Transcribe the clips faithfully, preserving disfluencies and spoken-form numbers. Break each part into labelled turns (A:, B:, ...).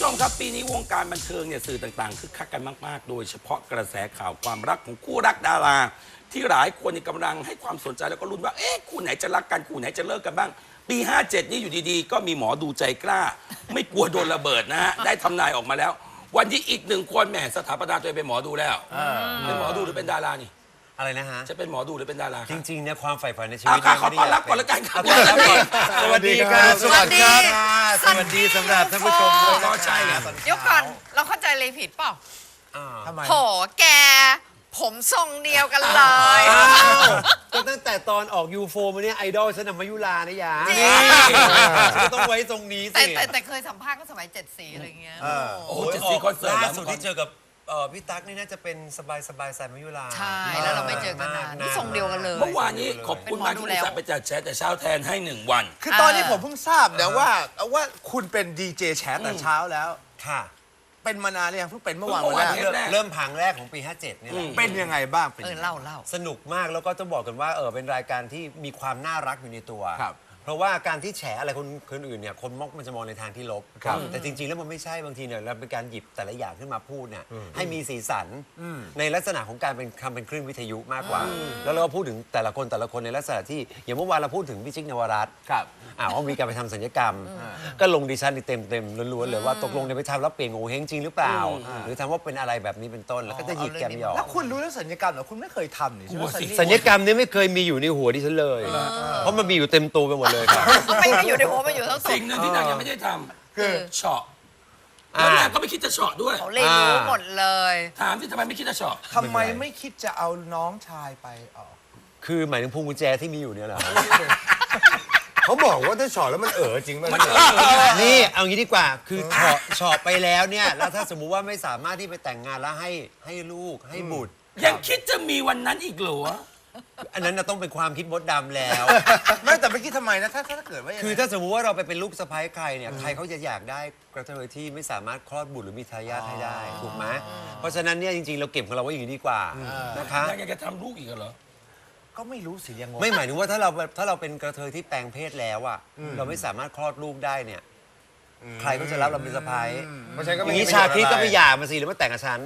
A: มครับปีนี้วงการบันเทิงเนี่ยสื่อต่างๆคึกคักกันมากๆโดยเฉพาะกระแสข่าวความรักของคู่รักดาราที่หลายคนกำลังให้ความสนใจแล้วก็ลุ้นว่าเอ๊ะคู่ไหนจะรักกันคู่ไหนจะเลิกกันบ้างปีห้าเจ็ดนี่อยู่ดีๆก็มีหมอดูใจกล้าไม่กลัวโดนระเบิดนะฮะได้ทำนายออกมาแล้ววันที่อีกหนึ่งคนแหมสถาปนาตัวเองเป็นหมอดูแล้วเป็นหมอดูหรือเป็นดารานี่
B: อะไรนะฮะ
A: จะเป็นหมอดูหรือเป็นดารา
B: จริงๆเนี่ยความใฝ่ฝันในชี
A: อา
B: วิต
A: ค่ะขอต้อนรับก่อนละกันครับ
B: สวัสดีครับสวัสดีครับสวัสดีสำหรับท่านผู้ชมด้วย
A: ก็ใช่นะ
C: เดี๋ยวก่อนเราเข้าใจเลยผิดเปล่า
B: ทำไม
C: โหแกผมทรงเดียวกันเลย
B: ก็ตั้งแต่ตอนออกยูโฟมาเนี่ยไอดอลฉันนำมายุรานะยา
C: จริง
B: ฉันก็ต้องไว้ตรงนี้
C: แต่
B: สิ
C: แต่แต่เคยสัมภาษณ์ก็สมัยเจ็ดสีอะไรเงี้ย
A: โอ้โหเจ็ดสี่คอนเสิร์ต
B: ล่า
A: แล้ว
B: สุดที่เจอกับเอ่อพี่ตั๊กนี่น่าจะเป็นสบายสบายสายมายุรา
C: ใช่แล้วเราไม่เจอกันนานนี่ทรงเดียวกันเลย
A: เมื่อวานนี้ขอบคุณมากที่อุตส่าห์ไปจัดแชร์แต่เช้าแทนให้หนึ่งวัน
D: คือตอนนี้ผมเพิ่งทราบนะว่าว่าคุณเป็นดีเจแชร์แต่เช้าแล้ว
B: ค่ะ
D: เป็นมานานหรือยังเพิ่งเป็นเมื่อวาน
A: เมื่
D: วัน
A: อวาน
D: แรก
A: เทปแรก
B: เริ่มผังแรกของปีห้าเจ็ดนี่แหละ
D: เป็นยังไงบ้างเป็น
C: เอ
D: ยั
C: อง
D: ไง
C: เล่าเล่า
B: สนุกมากแล้วก็ต้องบอกกันว่าเออเป็นรายการที่มีความน่ารักอยู่ในตัว
D: ครับ
B: เพราะว่าการที่แฉอะไรคนคนอื่นเนี่ยคนมอกมันจะมองในทางที่ลบ
D: ครับ
B: แต่จริงๆแล้วมันไม่ใช่บางทีเนี่ยเราเป็นการหยิบแต่ละอย่างขึ้นมาพูดเนี่ยให้มีสีสันในลักษณะของการเป็นคำเป็นคลื่นวิทยุมากกว่า แล้วเราก็พูดถึงแต่ละคนแต่ละคนในลักษณะที่อย่างเมื่อวานเราพูดถึงพี่จิ๊กนวรัตน์
D: ครับ
B: อ่าว่ามีการไปทำศัลยกรรม ก็ลงดิฉันเต็มเต็มๆล้วนๆเลยว่าตกลงเนี่ยไปทำแล้วเปลี่ยนโงเฮงจริงหรือเปล่า หรือทำว่าเป็นอะไรแบบนี้เป็นต้นแล้วก็จะหยิบแกมหยอก
D: แล้วคุณรู้เรื่องสัญญกรรมเหรอคุณไม่เคยทำนี่ใช่ไหม
A: กลัวสิ
B: สัญญกรรมเนี่ยไม่เคยมีอยู่ในหัวดิฉันเลย เพราะมันมีอยู่เต็มตัวไปหมดเลยครับ
C: ไม่ไม่อยู่ในหัวไม่อยู่ทั้งสอ
A: สิ่
C: ง
A: งหนึ่งที่นางยังไม่ได้ท
C: คือ
A: ำเฉาะแล้วนางก็ไม่คิดจะเฉาะด้วย
C: เขาเลยรู้หมดเลย
A: ถามที่ทำไมไม่คิดจะเฉาะ
D: ทำไมไม่คิดจะเอาน้องชายไปออก
B: คือหมายถึงพวงกุญแจที่มีอยู่เนี่ยเหรอ
E: เขาบอกว่าถ้าฉอดแล้วมันเอ๋อจริงป่ะ
A: มัน
E: เนี่ย
A: เออ
B: นี่เอางี้ดีกว่า คือเฉาะเฉาะไปแล้วเนี่ย แล้วถ้าสมมุติว่าไม่สามารถที่ไปแต่งงานแล้วให้ให้ลูกให้บุตร
A: ยังคิดจะมีวันนั้นอีกเหรอ
B: อันนั้นน่ะต้องเป็นความคิดมดดำแล้ว
D: ไม่แต่ไม่คิดทำไมนะถ้าถ้าเกิดว่าย่ง
B: คือ
D: นั้น
B: ถ้าสมมุติว่าเราไปเป็นลูกสะใภ้ใครเนี่ย ใครเขาจะอยากได้กระเทยที่ไม่สามารถคลอดบุตรหรือมีทายาทให้ได้ ถูกไหมเพราะฉะนั้นเนี่ยจริงๆ เราเก็บของเราไว้อย่างนี้ดีกว่านะคะ
A: นางยังจะทำลูกอีกเหรอ
D: ก็ไม่รู้สิยังงง
B: ไม่หมายถึงว่าถ้าเราถ้าเราเป็นกระเทยที่แปลงเพศแล้วอ่ะเราไม่สามารถคลอดลูกได้เนี่ย ใครก็จะรับเราเป็นสะใภ้
E: เพราะฉะนั้นก็
B: อ
E: ไม่
B: ย่าง
E: มี
B: นี้
E: ประโย
B: ชา
E: ชน์
B: คริสก็
E: อะไร
B: ไปหย่ามาสิหรือมาแต่งกับฉัน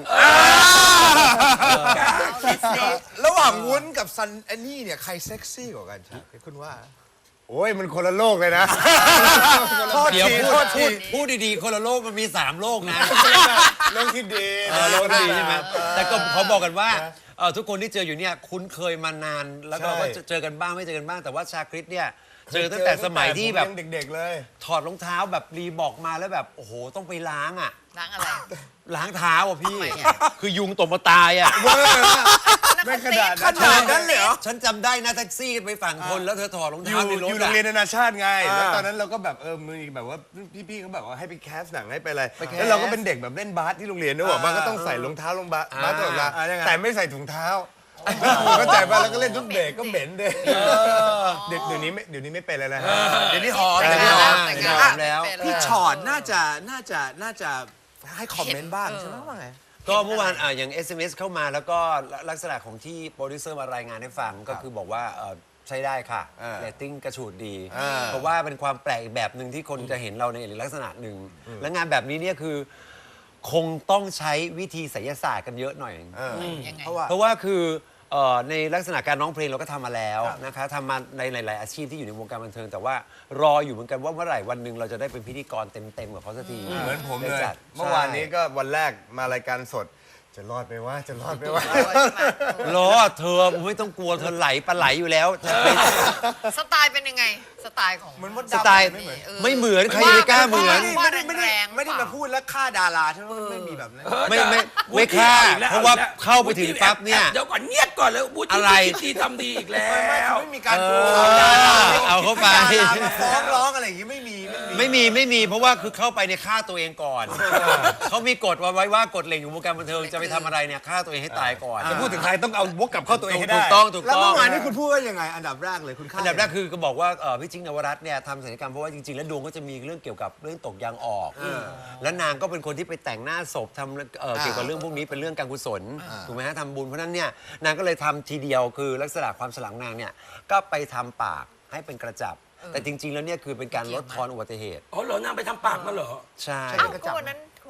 D: ระหว่างวุ้นกับซันแอนนี่เนี่ยใครเซ็กซี่กว่ากันชาคุณว่า
E: โอ้ยมันคนละโลกเลยนะ
D: โทษ
B: เดี๋ยว
D: ที
B: พู
D: โท
B: ด
D: ษ
B: พู
D: ที
B: ดพูดดีๆ คนละโลกมันมีสามโลกนะ
E: เรื่องที่ดี
B: เออโลกดีใช่ไหมแต่ก็ขอบอกกันว่าเอ่อทุกคนที่เจออยู่เนี่ยคุ้นเคยมานาน แล้วก็เราก็เจอกันบ้างไม่เจอกันบ้างแต่ว่าชาคริสเนี่ยเจอตั้งแต่สมัยที่แบบ
E: ผมยังเด็กๆเลย
B: ถอดรองเท้าแบบรีบอกมาแล้วแบบโอ้โหต้องไปล้างอ่ะ
C: ล้างอะไร
B: ล้างเท้าอ่ะพี่
C: ทำไมอะ
B: คือยุงตกมาตายอ่ะ
E: ไม่ขนาด
D: ขนาดนั้นเลยเหรอ
B: ฉันจำได้นะแท็กซี่ไปฝั่งทนแล้วเธอถอดรอง
E: อ
B: เท้า
E: ยู่
B: ในรถ
E: อยู่โรงเรียน
B: อะ
E: นานาชาติไง
D: อ่า
E: แล้วตอนนั้นเราก็แบบเออมีแบบว่าพี่ๆเขาแบบว่าให้ไปแคสหนังให้ไปอะไร
B: ไปแคส
E: แล้วเราก็เป็นเด็กแบบเเล่นบาสที่โรงเรียนด้วยบอกว่าก็ต้องใส่รองเท้าลงบาสบาสตลอดเวลา
D: อ่ายังไง
E: แต่ไม่ใส่ถุงเท้าเข้าใจป่ะแล้วก็เล่นทุกเบรกก็เหม็นเลยเดี๋ยวเดี๋ยวนี้ไม่เดี๋ยวนี้ไม่เป็นแล้วนะฮะ
D: เดี๋ยวนี้หอม
B: แต่
D: เดี๋ยว
B: ง
D: นี้หอม
B: แต่
C: แต่
B: ง
C: ง
B: งาน
C: งาน
B: แล้ว
D: พี่ชอดน่าจะน่าจะน่าจะให้คอมเมนต์บ้างใช่ไหมว่าไง
B: ก็เมื่อวานอ่ะอย่าง เอส เอ็ม เอส เข้ามาแล้วก็ลักษณะของที่โปรดิวเซอร์มารายงานให้ฟังก็คือบอกว่าเอ่อใช้ได้ค่ะ
D: อ่า
B: เรตติ้งกระฉูดดี
D: อ่า
B: เพราะว่าเป็นความแปลกอีกแบบหนึ่งที่คนจะเห็นเราในลักษณะหนึ่ง และงานแบบนี้เนี่ยคือคงต้องใช้วิธีไสยศาสตร์กันเยอะหน่อย
D: เออ
C: ยังไง
D: เพราะว่า
B: เพราะว่าคือเอ่อในลักษณะการร้องเพลงเราก็ทำมาแล้วนะคะทำมาในหลาย ๆ อาชีพที่อยู่ในวงการบันเทิง แต่ว่ารออยู่เหมือนกันว่าเมื่อไหร่วันหนึ่งเราจะได้เป็นพิธีกรเต็ม ๆ กับเขาสักที
E: เหมือนผมเลย
B: ได้จัด
E: เมื่อวานนี้ก็วันแรกมารายการสด จะรอดไหมว่าจะรอดไหมว่า
B: รอเธอไม่ต้องกลัวเธอไหลปลาไหลอยู่แล้วจะไป
C: สไตล์เป็นยังไง สไตล์ของ
D: เหมือนมด
B: ส
D: ดำ
B: ไตล์
D: ไม่เหมือน
B: ไม่เหมือนใครจะไปกล้าเหมือน
D: ไม่ได้ไม่ได้ไม่ได้ไม่ได้มาพูดแล้วฆ่าดาราใช่ไหมไม่มีแบบนั้น
B: ไม่ไม่ไม่ฆ่าเพราะว่าเข้าไปถึงปั๊บเนี่ย
A: เดี๋ยวก่อนเงียบก่อนเลยวุฒิ
B: อะไร
A: คิดดีทำดีอีกแล้ว
D: ไม่มีการ
B: เอ
D: พู
B: อ
D: ดดารา
B: เอาเข้าไป
D: ให้ดารามาฟ้องร้องอะไรอย่างงี้ไม่มีไม่มี
B: ไม่มีไม่มีเพราะว่าคือเข้าไปเนี่ยฆ่าตัวเองก่อนเขามีกฎไว้ว่ากฎเหล็กอยู่วงการบันเทิงจะไปทำอะไรเนี่ยฆ่าตัวเองให้ตายก่อน
E: จะพูดถึงใครต้องเอาวกกลับเข้าตัวเองให้ได้
B: ถูกต้องถูก
D: แล้ว
B: ต้อ
D: เมื่
B: ง
D: อวานนี้คุณพูดว่ายังไงอันดับแรกเลยคุณฆ่า
B: อันดับแรกคือก็บอกว่าเอ่อพี่จิ๊กนวรัตน์เนี่ยทำศัลยกรรมเพราะว่าจริงๆแล้วดวงก็จะมีเรื่องเกี่ยวกับเรื่องตกยางออก แล้วนางก็เป็นคนที่ไปแต่งหน้าศพทำเอ่อเกี่ยวกับเรื่องพวกนี้เป็นเรื่องการกุศลถูกไหมฮะทำบุญเพราะฉะนั้นเนี่ยนางก็เลยทำทีเดียวคือลักษณะความสลังนางเนี่ยก็ไปทำปากให้เป็นกระจับ แต่จริงๆแล้วเนี่ยคือเป็นการลดทอนอุบัติเหตุ
A: อ๋อเหรอนางไปทำปากมาเหรอ
B: ใช่
C: เอ้าก็วันนั้น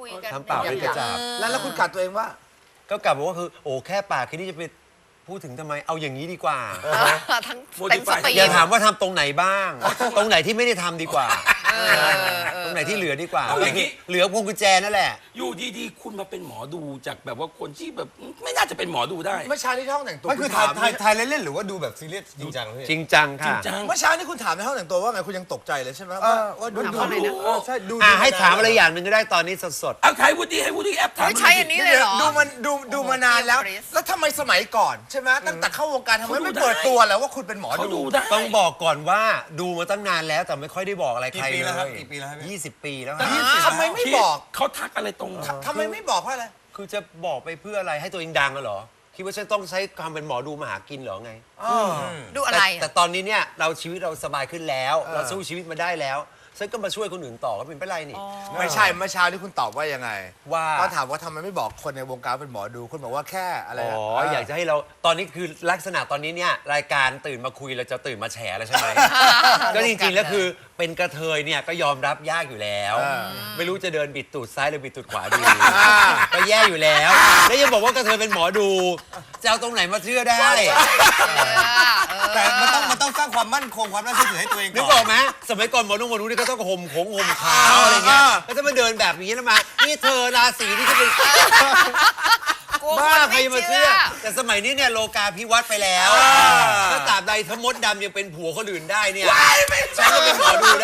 C: คุยกัน
B: ทำปากเป็นกระจาบ
D: แล้วแล้วคุณกัดตัวเองว่า
B: ก็กลับบอกว่าคือโอ้แค่ปากแค่นี้จะไปพูดถึงทำไมเอาอย่างนี้ดีกว่า
C: เออทั้งเต็มสตรีม
B: อย่าถามว่าทำตรงไหนบ้าง ตรงไหนที่ไม่ได้ทำดีกว่า
C: เออเออเออ
B: ตรงไหนที่เหลือดีกว่า
A: เอาอย่างนี้
B: เหลือพวงกุญแจนั่นแหละ
A: อยู่ดีๆ คุณมาเป็นหมอดูจากแบบว่าคนที่แบบไม่น่าจะเป็นหมอดูได้
D: เมื่อเช้าที่ห้องแต่งตัว
E: มันคือ
D: ณ
E: ถ่าย
D: ถาม
E: ถ่ายถ่ายเล่นๆหรือว่าดูแบบซีเรียสจริงจังพี่
B: จริงจัง
A: จริง
B: ค่ะ
A: จัง
D: เมื่อเช้านี่คุณถามในห้องแต่งตัวว่าไงคุณยังตกใจเลยใช่ไหมว่าว่าดู
C: ถาม
D: ดู
C: เขาหน่อยนะ
D: เออใช่ดู
B: อ่ะ
D: ดู
B: ให้ถามอะไร
D: นน
B: อย่างหนึ่งก็ได้ตอนนี้สด
A: เอาใครวูดดี้ให้วูดดี้แอปถาม
C: ไม่ใช่อันนี้เลยเหรอ
D: ดูมันดูดูมานานแล้ว
C: โอ้โห
D: แล้วทำไมสมัยก่อนใช่ไหมตั้งแต่เข้าวงการทำไมไม่
A: เขาดู
D: เปิด
A: ได้
D: ตัวแล้วว่าคุณเป็นหมอ
A: เขา
D: ดู
A: ดูได้
B: ๆ ต้องบอกก่อนว่าดูมาตั้งนานแล้วแต่ไม่ค่อยได้บอกอะไรใคร
E: กี่ปี
B: เล
E: แล้วครับ
B: ย
E: กี่ปีแล้วครับพี่
B: ยี่สิบปีแล้ว
D: ยี่
B: ฮะ
D: สิบ ทำไมไม่บอก
A: เขาทักอะไรตรง
D: ทำไมไม่บอกเพราะอะไร
B: คือจะบอกไปเพื่ออะไรให้ตัวเองดังอะเหรอคิดว่าฉันต้องใช้ความเป็นหมอดูมาหากินเหรอไง
C: ดูอะไร
B: แต่แต่
C: อะ
B: ตอนนี้เนี่ยเราชีวิตเราสบายขึ้นแล้ว เราสู้ชีวิตมาได้แล้วฉันก็มาช่วยคนอื่นต่อก็เป็นไปไรนี่
D: ไม่ใช่เมื่อเช้าที่คุณตอบว่ายังไง
B: ว่า
D: ก็ถามว่าทำไมไม่บอกคนในวงการเป็นหมอดูคุณบอกว่าแค่อะไร
B: อ๋
D: นะ
B: ออยากจะให้เราตอนนี้คือลักษณะตอนนี้เนี่ยรายการตื่นมาคุยเราจะตื่นมาแฉแล้วใช่ไหม ก็จริงๆแล้วคือเป็นกระเทยเนี่ยก็ยอมรับยากอยู่แล้ว ไม่รู้จะเดินบิดตูดซ้ายหรือบิดตูดขวาดีก็แย่อยู่แล้ว แล้วยังบอกว่ากระเทยเป็นหมอดูจะเอาตรงไหนมาเชื่อได้
E: แต่มันต้องมันต้องสร้างความมั่นคงความน่าเชื่อถือให้ตัวเอง
B: นึก
E: ก่
B: อ
E: อ
B: อน กไหมสมัยก่อนหมอนุ่งหมอนุ่งนี่ก็ต้องห่มขงห่มขาวอะไรเงี้ยแล้วจะมาเดินแบบนี้แล้วมานี่เธอราศีนี่ก็เป็น
C: กลัว
B: บ้า
C: คน
B: ใคร
C: ไม่
B: จะมา
C: เชื่
B: เชื่
C: อ
B: อ แต่สมัยนี้เนี่ยโลกาภิวัตน์ไปแล้วถ้าตราบใดทมดดำยังเป็นผัวคนอื่นได้เนี่ยฉันก็เป็นหมอดูได้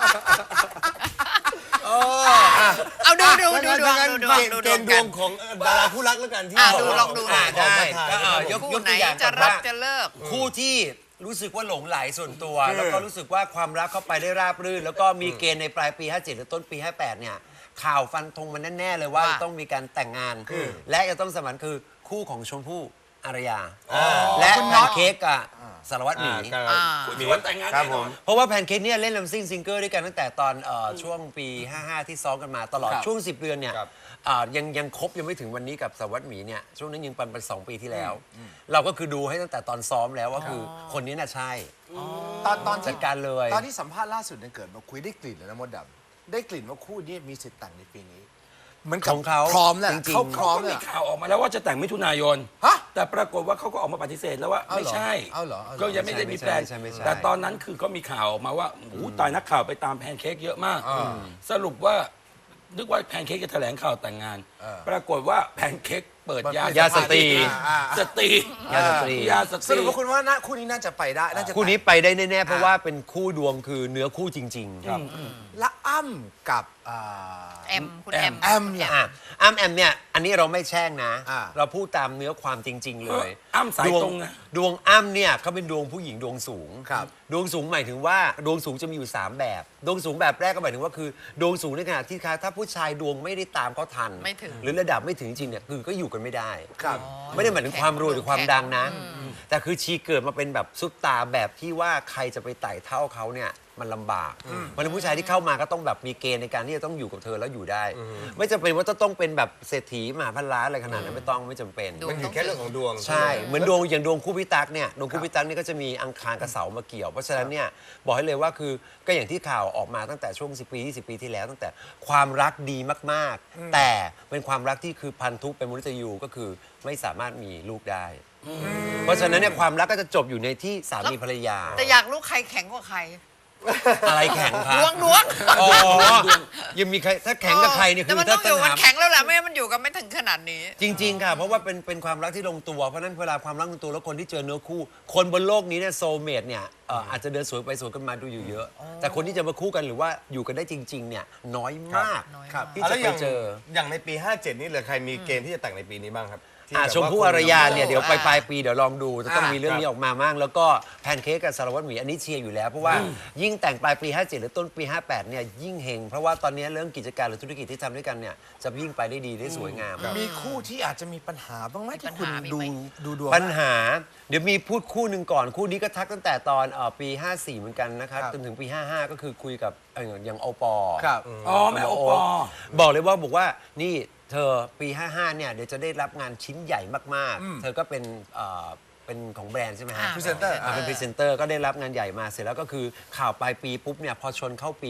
C: เอาดูดูดูดวง
E: งั้น
C: ดูดวง
E: เกณฑ์
C: ดูด
E: เก
C: วง
E: ณฑ์ด
C: กั
E: วน งของดาราคู่รักแล้วกันที่
C: อ่ะ
E: บก
C: ดูลองดูหน่
B: อ่า
C: อย
B: ได้ก็เอ่อยก
C: คู่
B: ยก
C: ไหน
B: ตัวอย่าง
C: จะ
B: ก่อน
C: รับ
B: ว่า
C: จะเลิก
B: คู่ที่รู้สึกว่าหลงไหลส่วนตัว แล้วก็รู้สึกว่าความรักเข้าไปได้ราบรื่น แล้วก็มีเกณฑ์ในปลายปี ห้าเจ็ด หรือต้นปี ห้าแปด เนี่ย ข่าวฟันธงมันแน่ ๆ เลยว่า
C: ว่า
B: จะต้องมีการแต่งงาน และจะต้องสมันคือคู่ของชมพู่อารยา และแพนเค้กกับสารวัตรหมี
C: อ่า
A: คุณชวนแต่งงาน
E: ครับ
A: แน่
E: ผ
A: นอ
E: ม
A: น
B: เพราะว่าแพนเค้กเนี่ยเล่นลำซิ่งซิงเกิลด้วยกันตั้งแต่ตอนเอ่อช่วงปี ห้าห้า ที่ซ้อมกันมาตลอด
D: ครับ
B: ช่วง สิบ เดือนเนี่ย
E: ครับ
B: อ่ายังยังครบยังไม่ถึงวันนี้กับสารวัตรหมีเนี่ยช่วงนั้นยังปันไปสองปีที่แล้ว เราก็คือดูให้ตั้งแต่ตอนซ้อมแล้วว่าคือคนนี้น่ะใช่
D: ตอนตอน
B: จั
D: ที่
B: ดการเลย
D: ตอนที่สัมภาษณ์ล่าสุดเนี่ยเกิดมาคุยได้กลิ่นเลยนะมดดำได้กลิ่นว่าคู่นี้มีสิทธิ์แต่งในปีนี้เหมือนกับ
B: ของเขา
D: พร้อมแหละ
B: จริงๆ
D: เขาพร้อม
A: ก็
D: เล
A: มี
D: ย
A: ข่าวออกมาแล้วว่าจะแต่งมิถุนายน
D: ฮะ
A: แต่ปรากฏว่าเขาก็ออกมาปฏิเสธแล้วว่า
D: เอาเหรอ
A: ไม่ใช่
D: เอาเหรอเอาเหรอ
A: ก็ยังไม่ได้มีแพลน
B: ไม่ใช่ไม่ใช่
A: แต่ตอนนั้นคือก็มีข่าวออกมาว่าโอ้โหตายนักข่าวไปตามแพนเค้กเยอะมาก สรุปว่านึกว่าแพนเค้กจะแถลงข่าวแต่งงาน ปรากฏว่าแพนเค้กเปิดยาย
B: าสตรี
D: อ่า
A: สตรี
B: ยาสตรี
A: ยาสต
D: ส
A: รี
D: รุปว่าคุณว่านะคู่นี้น่าจะไปได้น่าจะ
B: คู่นี้ไปได้แน่ๆเพราะว่าเป็นคู่ดวงคือเนื้อคู่จริงๆครับ
D: และอ้ำกับอ่า
C: แอมคุณแอม
D: แอมเนี่ย
B: อ่ะอ้ำแอมเนี่ยอันนี้เราไม่แช่งนะ
D: อ่า
B: เราพูดตามเนื้อความจริง ๆ เลย
A: อ้ำสาย
B: ดว
A: ตรงนะ
B: ดวงอ้ำเนี่ยเขาเป็นดวงผู้หญิงดวงสูง
D: ครับ
B: ดวงสูงหมายถึงว่าดวงสูงจะมีอยู่ สาม แบบ ดวงสูงแบบแรกก็หมายถึงว่าคือดวงสูงในขณะที่ถ้าผู้ชายดวงไม่ได้ตามเขาทัน
C: ไม่ถึง
B: หรือระดับไม่ถึงจริงเนี่ยคือก็อยู่กันไม่ได้
D: ครับ
B: ไม่ได้หมายถึงความรวยหรือความดังนะ แต่คือชีเกิดมาเป็นแบบซุปตาแบบที่ว่าใครจะไปไต่เท่าเขาเนี่ยมันลำบากเพราะฉะนั้นผู้ชายที่เข้ามาก็ต้องแบบมีเกณฑ์ในการที่จะต้องอยู่กับเธอแล้วอยู่ได้ ไม่จำเป็นว่าจะต้องเป็นแบบเศรษฐีมหาพันล้านอะไรขนาดนั้นไม่ต้องไม่จำเป็น
C: ดู
E: มันอยู่แค่เรื่องของดวง
B: ใช่ เหมือนดวงอย่างดวงคู่พิตักเนี่ยดวงคู่พิตักเนี่ยก็จะมีอังคารกับเสามาเกี่ยว เพราะฉะนั้นเนี่ยบอกให้เลยว่าคือก็อย่างที่ข่าวออกมาตั้งแต่ช่วงสิบปียี่สิบปีที่แล้ว ตั้งแต่ความรักดีมากๆ แต่เป็นความรักที่คือพันธุเป็นมนุษย์ยูก็คือไม่สามารถมีลูกได้ เพราะฉะนั้นเนี่ยความรักก็จะจบอยู่ในที่สามีภรรยา
C: แต่อยากรู้ใครแข็งกว่าใคร
B: อะไรแข็งคะ
C: ดวงดวง
B: อ๋อยังมีใครถ้าแข็งกับใครเนี่ย
C: แต่
B: คือ
C: มัน
B: ถ้า
C: ต้องอยู่
B: ปัญ
C: มัน
B: หา
C: แข็งแล้วแหละไม่งั้นมันอยู่กันไม่ถึงขนาดนี้
B: จริง ๆ ค่ะ เพราะว่าเป็นเป็นความรักที่ลงตัว เพราะฉะนั้นเวลาความรักลงตัวแล้วคนที่เจอเนื้อคู่ คนบนโลกนี้เนี่ยโซลเมตเนี่ยเอ่ออาจจะเดินสวนไปสวนกันมาดูอยู่เยอะ แต่คนที่จะมาคู่กันหรือว่าอยู่กันได้จริง ๆ เนี่ยน้อยมาก
C: น้อยมาก
B: ครับที่
E: อ่ะ
B: จะ
E: แล้ว
B: ไป
E: อย่าง
B: เจอ
E: อย่างในปี ห้าเจ็ด นี่เหลือใครมีเกณฑ์ที่จะแต่งในปีนี้บ้างครับที่
B: อ่า
E: แบบ
B: ชมพู่
E: ว่า
B: อารยาเนี่ย
E: ค
B: เดี๋ยวไปปลายปีเดี๋ยวลองดูจะต้อง
D: อ่ามี
B: มีเรื่องนี้ออกมามั่งแล้วก็แพนเค้กกับสารวัตรหมีอันนี้เชียร์อยู่แล้วเพราะว่ายิ่งแต่งปลายปี ห้าเจ็ด หรือต้นปี ห้าแปด เนี่ยยิ่งเฮงเพราะว่าตอนนี้เรื่องกิจการหรือธุรกิจที่ทำด้วยกันเนี่ยจะยิ่งไปได้ดีได้สวยงาม
D: มีคู่ที่อาจจะมีปัญหาบ้างไหมที่คุณ
C: มีปัญหามี
D: ดู
C: ไหม
D: ดูดวง
B: ปัญหาเดี๋ยวมีพูดคู่หนึ่งก่อนคู่นี้ก็ทักตั้งแต่ตอนเอ่อปี ห้าสี่ เหมือนกันนะครับ
D: ครับ
B: จนถึงปี ห้าห้า ก็คือคุยกับเอ่ออย่างโอปอ
D: ครับ
A: อ๋อแม่โอปอ
B: บอกเลยว่าบอกว่านี่เธอปี ห้าห้า เนี่ยเดี๋ยวจะได้รับงานชิ้นใหญ่มากๆ เธอก็เป็นเอ่อเป็นของแบรนด์ใช่ไหมฮะ
C: อ่า
D: พรีเซนเตอร์
B: อ่าเป็นพรีเซนเตอร์ก็ได้รับงานใหญ่มาเสร็จแล้วก็คือข่าวปลายปีปุ๊บเนี่ยพอชนเข้าปี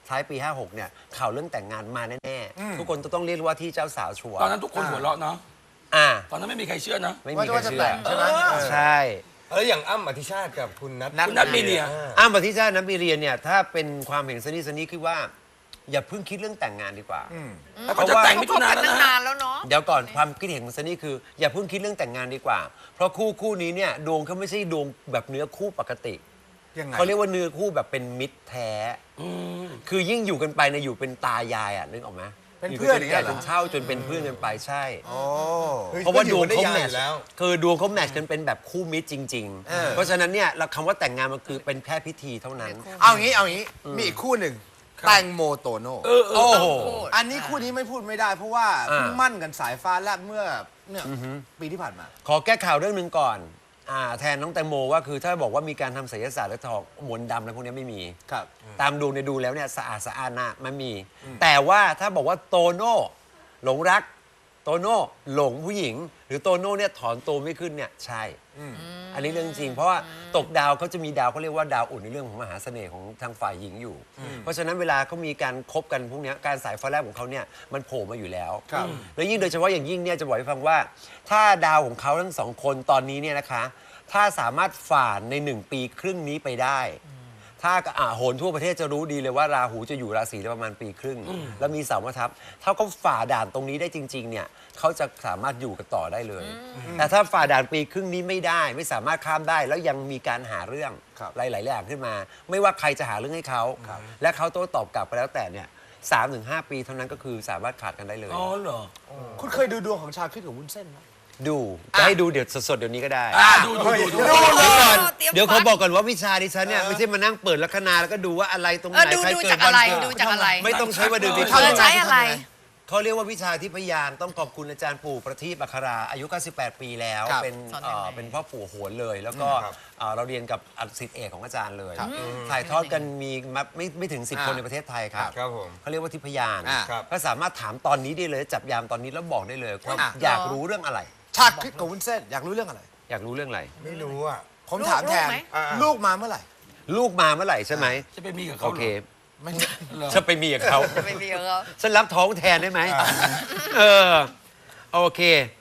B: ท้ายปีห้าหกเนี่ยข่าวเรื่องแต่งงานมาแน่ๆทุกคนต้องเรียกว่าที่เจ้าสาวชัวร์
A: ตอนนั้นทุกคนหัวเราะเนาะ
B: อ่า
A: ตอนนั้นไม่มีใครเชื่อนะ
B: ไม่
D: ว่า
B: มี
D: จะ
B: ใคร
D: ว่าจะ
B: เชื่อ
D: แต่งใช่ไหม
B: ใช่
E: แล้วอย่างอ้ำอธิชาติกับคุณนัท
A: คุณนัทมีเนีย
B: อ้ามปฏิชาติน้ำปีเรียนเนี่ยถ้าเป็นความเห็นสนิทสนิทคือว่า อย่าเพิ่งคิดเรื่องแต่งงานดีกว่า
A: เขาจะแต่งมิถุนา
C: เขา
A: แล้ว
C: ตั้ง
A: นะ
C: นานแล้วเนาะ
B: เดี๋ยวก่อนความคิดเห็นของซันนี่คืออย่าเพิ่งคิดเรื่องแต่งงานดีกว่า เพราะคู่คู่นี้เนี่ยดวงเขาไม่ใช่ดวงแบบเนื้อคู่ปกติ
D: ยังไง
B: เขาเรียกว่าเนื้อคู่แบบเป็นมิตรแท้คือยิ่งอยู่กันไปเนี่ยอยู่เป็นตายายอ่ะนึกออกไหม
D: เป็นเพื่อน
B: ยู่
D: อย่างเงี้
B: กั
D: ยเหร
B: จ
D: อ
B: นเช่าจนเป็นเพื่อนกันไปใช่
D: โอ้
B: เพราะว่าดวงเขา
E: อยู่
B: แม
E: ได้ยาว
B: ท
E: อยู่แล้ว
B: คือดวงเขาแมทกันเป็นแบบคู่มิตรจริง
D: เออ
B: ๆ เพราะฉะนั้นเนี่ยเราคำว่าแต่งงานมันคือเป็นแค่พิธีเท่านั้น
D: เอางี้เอางี้มีอีกคู่หนึ่งแตงโมโตโน่
A: เออเอ
B: โอ้
A: อ
B: โห
D: อันนี้คู่นี้ไม่พูดไม่ได้ เพราะว่า
B: อ่า
D: เพิ่งมั่นกันสายฟ้าแลบเมื่อเนี่ยปีที่ผ่านมา
B: ขอแก้ข่าวเรื่องหนึ่งก่อนอ่าแทนน้องแตงโมว่าคือถ้าบอกว่ามีการทำไสยศาสตร์และทองมนต์ดำอะไรพวกนี้ไม่มี
D: ครับ
B: ตามดวงในยดูแล้วเนี่ยสะอาดสะอาดนะมันมี แต่ว่าถ้าบอกว่าโตโน่หลงรัก โตโน่หลงผู้หญิง หรือโตโน่เนี่ยถอนตัวไม่ขึ้นเนี่ยใช่ อันนี้เรื่องจริง เพราะว่าตกดาวเขาจะมีดาวเขาเรียกว่าดาวอุ่นในเรื่องของมหาเสน่ห์ของทางฝ่ายหญิงอยู่ เพราะฉะนั้นเวลาเขามีการคบกันพวกเนี้ยการสายฟ้าแลบของเขาเนี่ยมันโผล่มาอยู่แล้ว
D: ครับ
B: แล้วยิ่งโดยเฉพาะอย่างยิ่งเนี่ยจะบอกให้ฟังว่า ถ้าดาวของเขาทั้งสองคนตอนนี้เนี่ยนะคะ ถ้าสามารถฝ่าในหนึ่งปีครึ่งนี้ไปได้ ถ้าอ่าโหนทั่วประเทศจะรู้ดีเลยว่าราหูจะอยู่ราศีได้ประมาณปีครึ่ง แล้วมีเสามาทับถ้าเขาฝ่าด่านตรงนี้ได้จริง ๆ เนี่ยเขาจะสามารถอยู่กันต่อได้เลย แต่ถ้าฝ่าด่านปีครึ่งนี้ไม่ได้ ไม่สามารถข้ามได้ แล้วยังมีการหาเรื่อง
D: ครับ
B: หลายๆอย่างขึ้นมา ไม่ว่าใครจะหาเรื่องให้เขาและเขาโต้ตอบกลับไปแล้วแต่เนี่ยสามถึงห้าปีเท่านั้นก็คือสามารถขาดกันได้เลย
A: อ๋อเหรอ
D: คุณเคยดูดวงของชาคริสกับวุ้นเส้นไหม
B: ดูจะให้ดูเดี๋ยวสดๆเดี๋ยวนี้ก็ได้
A: อ่าดูดูดูดู
B: เดี๋ยวก่อน
C: เตรียม
B: เดี๋ยวเขา
C: ฟัง
B: บอกก่อนว่าวิชาดิฉันเนี่ยไม่ใช่มานั่งเปิดลัคนาแล้วก็ดูว่าอะไรตรงไห
C: เอน อดู
B: ใคร
C: ดู
B: เกิ
C: จา
B: ด
C: ก
B: วั
C: อะไร
B: เกิด
C: ดูจากอะไร
B: ไม่ต้องใช้วันเดือนปี
C: เธอใช้อะไร
B: เขาเรียกว่าวิชาที่พยานต้องขอบคุณอาจารย์ปู่ประทีปอัคราอายุเก้าสิบแปดปีแล้ว
D: ครับ
B: เป็น
C: สอนยังไง
B: เอ่อเป็นพ่อปู่โหนเลย แล้วก็
E: ครับ
B: เอ่อเราเรียนกับอัศิษย์เอกของอาจารย์เลยถ่ายทอดกันมีมาไม่ไม่ถึงสิบคนในประเทศไทยครับ
E: ครับผม
B: เขาเรียกว่าทิพยาน
D: อ่า
E: ครับ
B: ก็สามารถถามตอนนี้ได้เลยจับยามตอนนี้แล้วบอกได้เลยว่า
D: อ่ะ
B: อยากรู้เรื่องอะไร
D: ชาคริสกับวุ้นเส้นอยากรู้เรื่องอะไร
B: อยากรู้เรื่องอะไร
E: ไม่รู้อ่ะ
D: ผม
C: ลูก
D: ถามแทน
C: ลูกไหม
E: อ่า
D: ลูกมาเมื่อไหร่
B: ลูกมาเมื่อไหร่ใช่ไหม
A: จะไปมีกับ
B: โอ
A: เขาเหร
B: เค
A: อ
D: ไม่
B: จะไปมีกับเขา
C: จะไม่มีเขา
B: ฉันรับท้องแทนได้ไหม เออ โอเค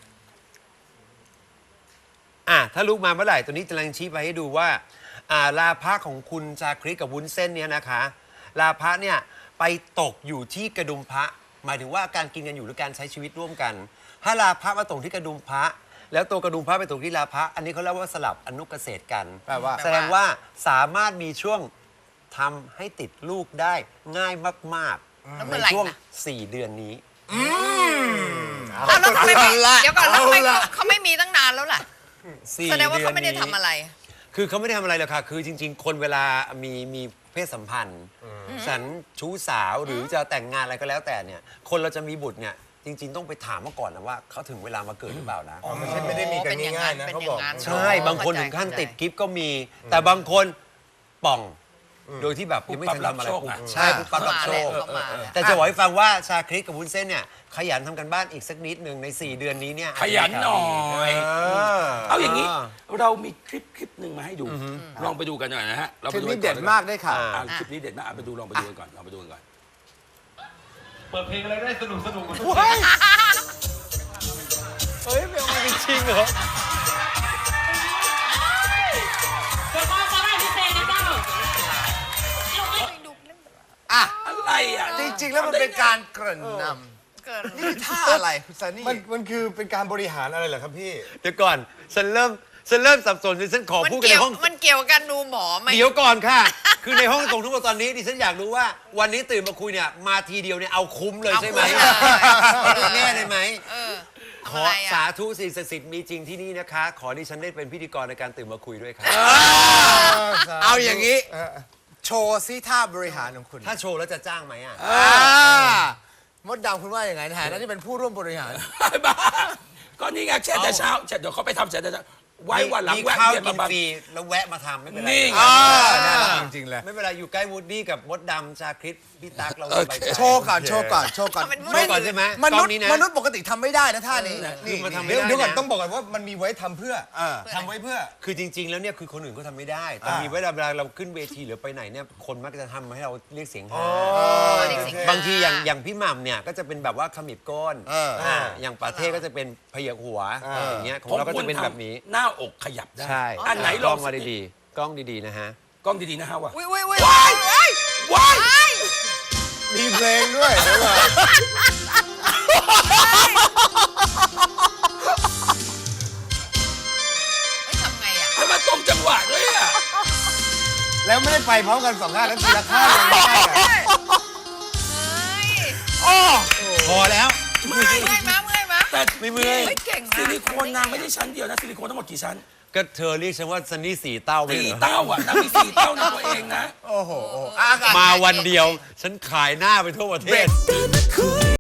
B: อ่ะ ถ้าลูกมาเมื่อไหร่ ตัวนี้กำลังชี้ไปให้ดูว่า อ่า ลาภะของคุณชาคริสกับวุ้นเส้นเนี่ยนะคะ ลาภะเนี่ยไปตกอยู่ที่กระดุมพระ หมายถึงว่าการกินกันอยู่หรือการใช้ชีวิตร่วมกัน ถ้าลาภะมาตกที่กระดุมพระ แล้วตัวกระดุมพระไปตกที่ลาภะ อันนี้เขาเรียกว่าสลับอนุเกษตรกัน
D: แปลว่า
B: แสดงว่าสามารถมีช่วงทำให้ติดลูกได้ง่ายมาก
C: แล้ว
B: ๆ
C: เมื่
B: ใน
C: อไหร่
B: ช่วง
C: นะ
B: สี่เดือนนี้
C: อ้าวแล้วทำไมไม่
D: เอาละ
C: เดี๋ยวก่อนแล้วทำไม
D: เอาละ
C: เขาไม่มีตั้งนานแล้วล่ะ
B: สี่
C: แสดงว่าเขาไม่ได้
B: ดืน
C: ทำ
B: นี้
C: อะไร
B: คือเขาไม่ได้ทำอะไรหรอกค่ะ คือจริง ๆ คนเวลามีมีเพศสัมพันธ์ ฉันชู้สาวหรือจะแต่งงานอะไรก็แล้วแต่เนี่ย คนเราจะมีบุตรเนี่ย จริง ๆ ต้องไปถามมาก่อนนะว่าเขาถึงเวลามาเกิดหรือเปล่านะ
E: อ๋อไม่ใช่ไม่ได้มีกันง่ายๆนะ
C: เป็น
E: เขา
C: อย่า
E: บอก
C: งนั้น
B: ใช่ บางคน
C: เข้าใจ
B: ถึงขั้น
C: เข้าใจ
B: ติดกิฟต์ก็มี แต่บางคนป่อง โดยที่แบบยังไม่ทันทำอะไร
A: ปุ๊บปั๊บรับโชคอะ
B: ใช่ปุ๊บปั๊บรับโชค
C: เข้ามาแล้ว
B: แต่จะบอกให้ฟังว่าชาคริสกับวุ้นเส้นเนี่ยขยันทำกันบ้านอีกสักนิดหนึ่งใน สี่ เดือนนี้เนี่ย
A: ขยันหน่อย
E: เออ
A: เอาอย่างนี้
B: อ่า
A: เรามีคลิปคลิปหนึ่งมาให้ดู ลองไปดูกันหน่อยนะฮะเรา
D: ค
A: ไป
D: ลิป
A: ดู
D: นี้
A: น
D: เด็ดมากได้ค่ะ
B: อ่า
A: อ่าคลิปนี้เด็ดมากอ่ะไปดูลองไปดูกันก่อนลองไปดูกันก่อน
F: เปิดเพลงอะไรได้สนุกสนุก
B: เฮ้ยไม่เอามาจริงเหรอ
G: เดี๋ยวพ่อจะให้พิเศษนะเจ้า
D: อ่ะ
A: อะไรอ่ะ
D: จริง ๆ แล้วมันเป็นการเกริ่นน
C: เกิด
D: ำนี่คือท่าอะไรคุณซันนี่
E: มันมันคือเป็นการบริหารอะไรเหรอครับพี่
B: เดี๋ยวก่อน ฉันเริ่ม ฉันเริ่มสับสนดิฉันขอ
C: มัน
B: พูดกัน
C: เกี่
B: ใน
C: ยว
B: ห้อง
C: มันเกี่ยวกับการดูหมอไหม
B: เดี๋ยวก่อนค่ะ คือในห้องตรงทุกคนตอนนี้ดิฉันอยากรู้ว่า วันนี้ตื่นมาคุยเนี่ย มาทีเดียวเนี่ยเอาคุ้มเลยใช่ไหม
C: เอาคุ้มเลย
B: เอาแน่เลยไหม
C: เออ
B: ข
C: ทำ
B: อ
C: อะไร
B: สา
C: อ่ะ
B: ธุสิ่งศักดิ์สิทธิ์มีจริงที่นี่นะคะ ขอดิฉันได้เป็นพิธีกรในการตื่นมาคุยด้วยครับ
D: เอาอย่างนี้ โชว์ซิท่าบริหารของคุณ
B: ถ้าโชว์แล้วจะจ้างไหมอ่ะ
D: อ่ามดดำคุณว่าอย่างไงนะฮะนั่นนี่เป็นผู้ร่วมบริหาร
A: บ้าก็นี่ไงแช่แต่เช้าแช่เดี๋ยวเขาไปทำแช่แต่เช้าไว้วันหลัง
B: มี
A: แวะ
B: ข้าว
A: เวียน
B: กิ
A: มาน บ้าง
B: ฟรีแล้วแวะมาทำไม่เป็นไร
A: นี่ไง
E: อ่าน่ารักจริงๆเลย
B: ไม่เป็นไรอยู่ใกล้วูดดี้กับมดดำชาคริสพี่ตั๊กเรา
A: โอ
B: สบาย
A: เค
B: ใจ
D: โชว์ก่อนโชว์ก่อนโชว์ก่อน
C: ทำเป็น
B: โชว์ก่อนใช่ไหม
D: ม
B: กล้
D: นุ
B: อ
D: ษ
B: ง
D: ย์
B: นี้นะ
D: มนุษย์ปกติทำไม่ได้นะท่านี้
B: คือ
D: นี่
B: มาทำ
E: เดี๋ยว
B: ไม่ได้
E: เดี๋ยวก่อน
B: นะ
E: ต้องบอกก่อนว่ามันมีไว้ทำเพื่อ
D: เออ
E: ทำไว้เพื่อ
B: คือจริง ๆ แล้วเนี่ยคือคนอื่นก็ทำไม่ได้ แต่มีเวลาเวลาเราขึ้นเวทีหรือไปไหนเนี่ยคนมักจะทำให้เราเรียกเสียงฮา
C: เรียกเสียงฮา
B: บางทีอย่างอย่างพี่หม่ำเนี่ยก็จะเป็นแบบว่าขมิบก้น
D: เอออ่
B: าอย่างปาเท่ก็จะเป็นพยักหัวอย่างเงี้ยของเราก็จะเป็นแบบนี้
A: หน้าอกขยับได้
B: ใช่
A: อันไหน
B: ก
A: ล
B: ล้
A: อ
B: อง งมาดีๆกล้องดีๆนะฮะ
A: กล้องดีๆนะฮะว่ะ
C: อุ้ยอุ้ยอุ้ย
A: ว้าย ว้าย
E: มีเพลงด้วยเดี๋ยวก่อน
C: เฮ้ยทำไงอ่ะ
A: ทำไมตรงจังหวะด้วยอ่ะ
E: แล้วไม่ได้ไปพร้อมกันสองข้างแล้วทีละข้างยังไม่ได้อะ
C: เฮ้ย
B: พอแล้ว
C: เมื่อยมาเมื่อยมา
A: แต่
B: ไม่เมื่อย
C: เฮ้ยเก่งนะ
A: ซิลิโคนนางไม่ได้ชั้นเดียวนะซิลิโคนทั้งหมดกี่ชั้น
B: ก็เธอเรียกฉันว่าซันนี่สี่เต้าไม่
A: สี่
B: เหรอ
A: เต้าอ่ะนางมีสี่เต้าในตัวเองนะ
E: โอ้โหโอ้โห
D: อากาศ
B: มาวันเดียว ฉันขายหน้าไปทั่วประเทศ